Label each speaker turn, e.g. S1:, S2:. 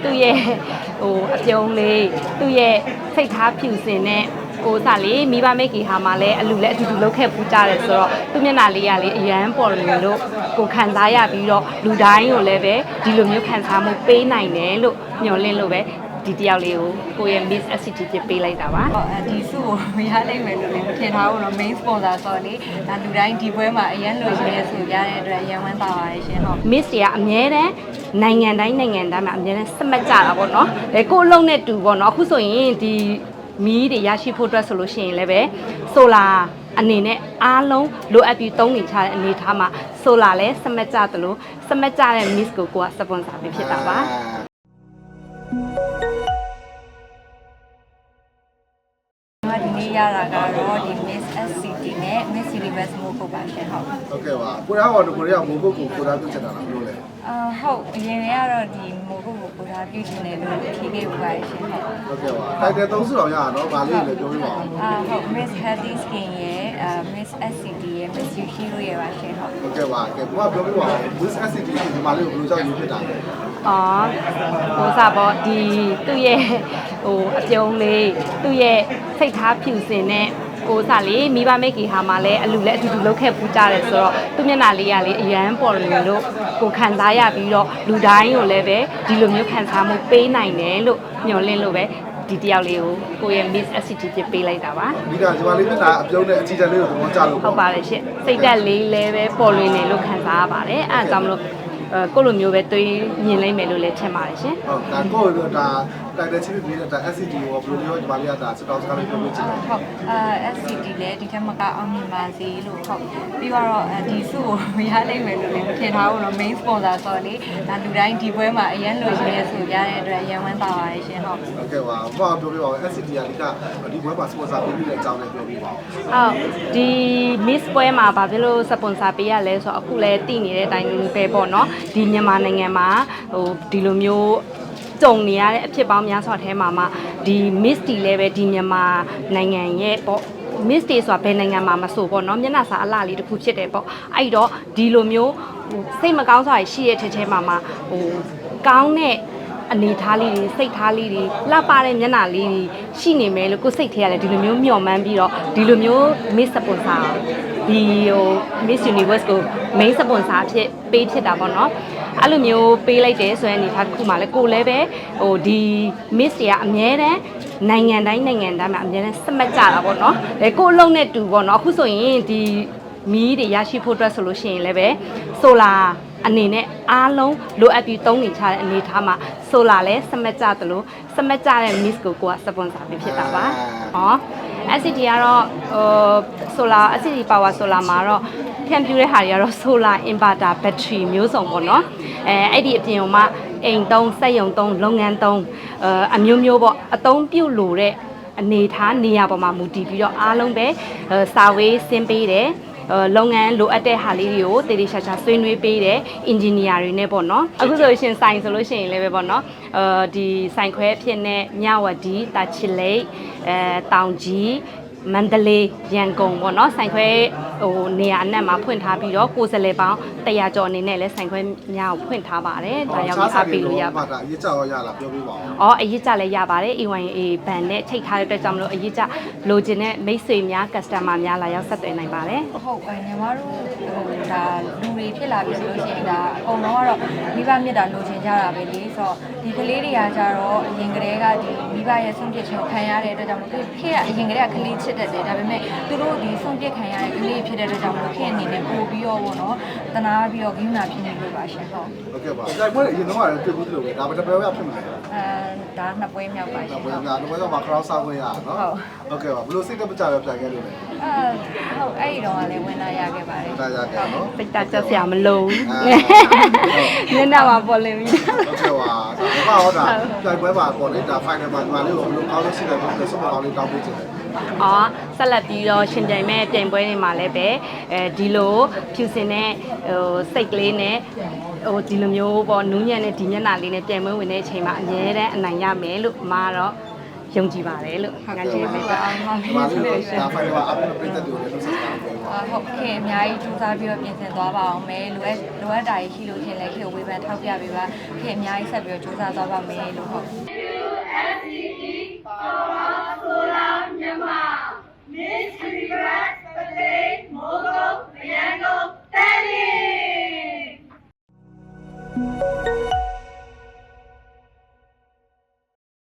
S1: သူ့ရဲ့ဟိုအပြုံးလေးသူ့ရဲ့စိတ်ထားဖြူစင်တဲ့ကိုစားလေးမိဘမိတ်ကြီးဟာမှလည်းအလူလည်းအတူတူလောက်ခဲ့ပူးကြတယ်ဆိုတော့သူ့မျက်နှာလေးကလေအရန်ပေါ်လို့ကိုခံစားရပြီးတော့လူတိုင်းကိုလည်းပဲဒီလိုမျိုးခံစားမှုပေးနိုင်တယ်လို့မျှော်လင့်လို့ပဲဒီတယောက်လေးကိုရဲ့ Miss SCT ပြပေးလိုက်တာပါ
S2: ဒီစုကိုမရနိုင်မယ်လို့လည်းမထင်ထားဘူးတော့ main sponsor ဆိုတော့လေဒါလူတိုင်းဒီပွဲမှာအရန်လိုချင်တဲ့ဆိုရတဲ့အတွက်အရန်ဝမ်းသာပါတယ်ရှင်ဟုတ်
S1: Miss တွေကအမြဲတမ်းနိုင်ငံတိုင်းမှာအမြဲတမ်းစမတ်ကြတာပေါ့နော်ကိုအလုံးနဲ့တူပေါ့နော်အခုဆိုရင်ဒီမီးတွေရရှိဖို့အတွက်ဆိုလို့ရှိရင်လည်းပဲဆိုလာအနေနဲ့အားလုံးလိုအပ်ပြီးသုံးနေချတဲ့အနေထားမှာဆိုလာလည်းစမတ်ကြသလိုစမတ်ကြတဲ့ Miss ကိုကစပွန်ဆာပေးဖြစ်တာပါ
S2: ဒီနေ့ရတာကတော့ဒီ Miss SCT နဲ့ Miss Universe မို့ကိုပါရှင်ဟုတ်
S3: ဟုတ်ကဲ့ပါကိုရောကတော့ကိုရောမိုးကုတ်ကိုကိုသားပြုတ်ချင်တာလားဘယ်လိုလဲ
S2: ဟုတ်အရင်ကတော့ဒီမိုးကုတ်ကိုကိုသားပြုတ်ချင်တယ်လို့ဖြေခဲ့ပူပါရှင်
S3: ဟုတ်ကဲ့ပါတိုက်တယ်သုံးစုတော်ရတာနော်ဗာလေးလည်းပြောပြပါဦး
S2: ဟုတ် Miss Healthy Skin ရဲ့Miss SCT ရဲ့ Miss Yushiro ရဲ့ပါရှင်
S3: ဟုတ်ကဲ့ပါကဲကိုကပြောပြပါဦး Miss SCT ဒီမှာလေးကိုဘယ်လိုကြောက်ရွံ့ဖြစ်တာလဲ
S1: ဟိုစားပေါ့ဒီသူ့ရဲ့ဟိုအပြုံးလေးသူ့ရဲ့စိတ်ထားဖြူစင်တဲ့ကိုစားလေးမိဘမိတ်ကြီးဟာမှလည်းအလူလည်းအတူတူလောက်ခဲ့ပူးကြတယ်ဆိုတော့သူ့မျက်နှာလေးကလေအရန်ပေါ်လို့ကိုခံစားရပြီးတော့လူတိုင်းကိုလည်းပဲဒီလိုမျိုးခံစားမှုပေးနိုင်တယ်လို့မျှော်လင့်လို့ပဲဒီတယောက်လေးကိုရဲ့ Miss SCT ပြပေးလိုက်တာပါ
S3: ဒီကဒီမှာလေးမျက်နှာအပြုံးနဲ့အချီတက်လေးကိုသဘောကျလို့
S1: ဟုတ်ပါတယ်ရှင့်စိတ်တက်လေးလည်းပဲပေါ်လွင်နေလို့ခံစားရပါတယ်အဲဒါကြောင့်မလို့ကိုလိုမျိုးပဲတွေးမြင်လိုက်မယ်လို့လည်းထင်ပါတယ်ရှင်
S3: ဟုတ်ဒါကိုလိုဒါတိုက်တဲ့ချင်းပြီးတဲ့ SCT ကိုဘယ်လိုမျိုးဒီမှာလေးကဒါစတောက်စကားလေးပြောပြချင်တယ်
S2: ဟုတ်SCT လည်းဒီထက်မကအောင်မြင်ပါစေလို့ဟုတ်ပြီးတော့ဒီစုကိုမရနိုင်မယ်လို့လည်းမထင်ထားဘူးတော့ main sponsor ဆိုတော့လေဒါလူတိုင်းဒီပွဲမှာအရန်လိုချင်တဲ့ဆိုရတဲ့အတွက်အရန်ဝမ်းသာပါတယ်ရှင်ဟုတ်
S3: ကဲ့ပါဘာပြောပြပါဦး SCT ကဒီပွဲမှာ sponsor ပေးပြီးတဲ့အကြောင်းလည်းပြောပြပါဦး
S1: ဟုတ်ဒီ Miss ပွဲမှာဘာဖြစ်လို့ sponsor ပေးရလဲဆိုတော့အခုလည်းတည်နေတဲ့အတိုင်းပဲပေါ့နော်ဒီမြန်မာနိုင်ငံမှာဒီလိုမျိုးကြုံနေရတဲ့အဖြစ်ပေါင်းများစွာထဲမှာဒီ Miss တီလည်းပဲဒီမြန်မာနိုင်ငံရဲ့ပေါ့ Miss တီဆိုတာဘယ်နိုင်ငံမှာမဆိုပေါ့နော်မျက်နှာစာအလှလေးတစ်ခုဖြစ်တယ်ပေါ့အဲ့တော့ဒီလိုမျိုးစိတ်မကောင်းစွာရှိတဲ့ထဲမှာကောင်းတဲ့အနေထားလေးတွေစိတ်ထားလေးတွေလှပတဲ့မျက်နှာလေးတွေရှိနေမယ်လို့ကိုယ်စိတ်ထဲရတယ်ဒီလိုမျိုးမျှော်မှန်းပြီးတော့ဒီလိုမျိုး Miss Sponsor ဒီ Miss Universe ကို main sponsor ဖြစ်တာပေါ့နော်အဲ့လိုမျိုးပေးလိုက်တယ်ဆိုရင်အနေထားတစ်ခုမှလည်းကိုလည်းပဲဒီ Miss တွေကအမြဲတမ်းနိုင်ငံတိုင်းမှာအမြဲတမ်းစမတ်ကြတာပေါ့နော်ကိုအလုံးနဲ့တူပေါ့နော်အခုဆိုရင်ဒီမီးတွေရရှိဖို့အတွက်ဆိုလို့ရှိရင်လည်းပဲဆိုလာအနေနဲ့အားလုံးလိုအပ်ပြီးသုံးနေချတဲ့အနေထားမှာဆိုလာလည်းစမတ်ကြသလိုစမတ်ကြတဲ့ Miss ကိုစပွန်ဆာပေးဖြစ်တာပါဟော SCT ကတော့solar SCT power solar မှာတော့ဖြန့်ဖြူးတဲ့ဟာတွေကတော့ solar inverter battery မျိုးစုံပေါ့နော်အဲ့ဒီအပြင်မှာအိမ်သုံးစက်ရုံသုံးလုပ်ငန်းသုံးအမျိုးမျိုးပေါ့အသုံးပြုလို့တဲ့အနေထားနေရာပေါ်မှာမူတည်ပြီးတော့အားလုံးပဲစာဝေးဆင်းပေးတယ်လုပ်ငန်းလိုအပ်တဲ့ဟာလေးတွေကိုတည်တည်ချာချာဆွေးနွေးပေးတယ်အင်ဂျင်နီယာတွေနဲ့ပေါ့နော်အခုဆိုရှင်ဆိုင်ဆိုလို့ရှိရင်လည်းပဲပေါ့နော်ဒီဆိုင်ခွဲအဖြစ်နဲ့မြဝတီတာချီလိတ်တောင်ကြီးမန္တလေးရန်ကုန်ပေါ့နော်ဆိုင်ခွဲနေရာအနှံ့မှာဖွင့်ထားပြီးတော့ကိုယ်စားလှယ်ပေါင်း100ကျော်အနေနဲ့လည်းဆိုင်ခွဲများကိုဖွင့်ထားပါတယ်ဒါရောက်ပြီးအားပေးလို့ရပါ
S3: အရေးကြရောရလားပြောပြပါ
S1: ဦးအရေးကြလည်းရပါတယ် AYA ဘန်နဲ့ချိန်ထားတဲ့အတွက်ကြောင့်မလို့အရေးကြလိုချင်တဲ့မိတ်ဆွေများ customer များလာရောက်ဆက်သွယ်နိုင်ပါတယ်
S2: ဟုတ်ညီမတို့ဒါလူတွေဖြစ်လာပြီဆိုလို့ရှိရင်ဒါအကုန်လုံးကတော့မိဘမြတ်တာလိုချင်ကြတာပဲလေဆိုတော့ဒီကလေးတွေကကြတော့အရင်ကတည်းကဒီမိဘရဲ့ဆုံးဖြတ်ချက်ကိုခံရတဲ့အတွက်ကြောင့်မလို့ခေတ်ကအရင်ကတည်းကကလေးချစ်တတ်တယ်ဒါပေမဲ့သူတို့ဒီဆုံးဖြတ်ခံရတဲ့ကလေးဖြစ်တဲ့အတွက်ကြောင့်မလို့ခေတ်အနေနဲ့ပို့ပြီးတော့ပေါ့နော်တနာပြီးတော့ဂိမ်းနာဖြစ်နေလို့ပါရှင်
S3: ဟုတ်ကဲ့ပါတိုက်ပွဲအရင်တော့တွေ့ဘူးလို့ပဲဒါပဲတစ်ပွဲရဖြစ်မှာ
S2: ဒါနှစ်ပွဲမြောက်ပါရှင်
S3: ဟုတ်ကဲ့နှစ်ပွဲတော့မှာခရောင်းစားခွင့်ရနော်ဟုတ်ကဲ့ပါဘလို့စိတ်တက်မကြပဲပြန်ခဲ့လို့လေ
S2: ဟုတ်အဲ့ဒီတော့လည်းဝင်လာရခဲ့ပါတယ်
S3: ဒါရခဲ့နော်
S1: စိတ်တက်ကြစရာမလိုဘူးမျက်နှာမှာပေါ်လင်းပြီး
S3: ဟုတ်ကဲ့ပါဒါကဟောတာတိုက်ပွဲပါပေါ်လေဒါ final မှာဒီမှာလေးကိုဘလို့ကောင်းလို့ရှိတယ်ပြီးဆုံးမကောင်းလေးတောင်းပေးချင်တယ်
S1: ဆက်လက်ပြီးတော့ရှင်ပြိုင်မဲ့တင်ပွဲတွေမှာလည်းပဲဒီလိုဖြူစင်တဲ့စိတ်ကလေးနဲ့ဒီလိုမျိုးပေါ့နူးညံ့တဲ့ဒီမျက်နှာလေးနဲ့ပြိုင်ပွဲဝင်တဲ့အချိန်မှာအများတန်းအနိုင်ရမယ်လို့အမကတော့ယုံကြည်ပါတယ်လို့ငါကျေးဇူးပါ
S2: အောင်ပါ
S3: ဒီမှာလို့ဒါဖိုင်တွေကအပြင်ပြည်သက်တွေလည်းဆက်စားပေးပါ
S2: ဟုတ်ကဲ့အများကြီးစူးစမ်းပြီးတော့ပြင်ဆင်သွားပါအောင်မယ်လိုအပ်တာရှိလို့ရှင်လည်းခေကိုဝေဖန်ထောက်ပြပေးပါခေအများကြီးဆက်ပြီးတော့စူးစမ်းသွားပါမယ်လို့ဟုတ်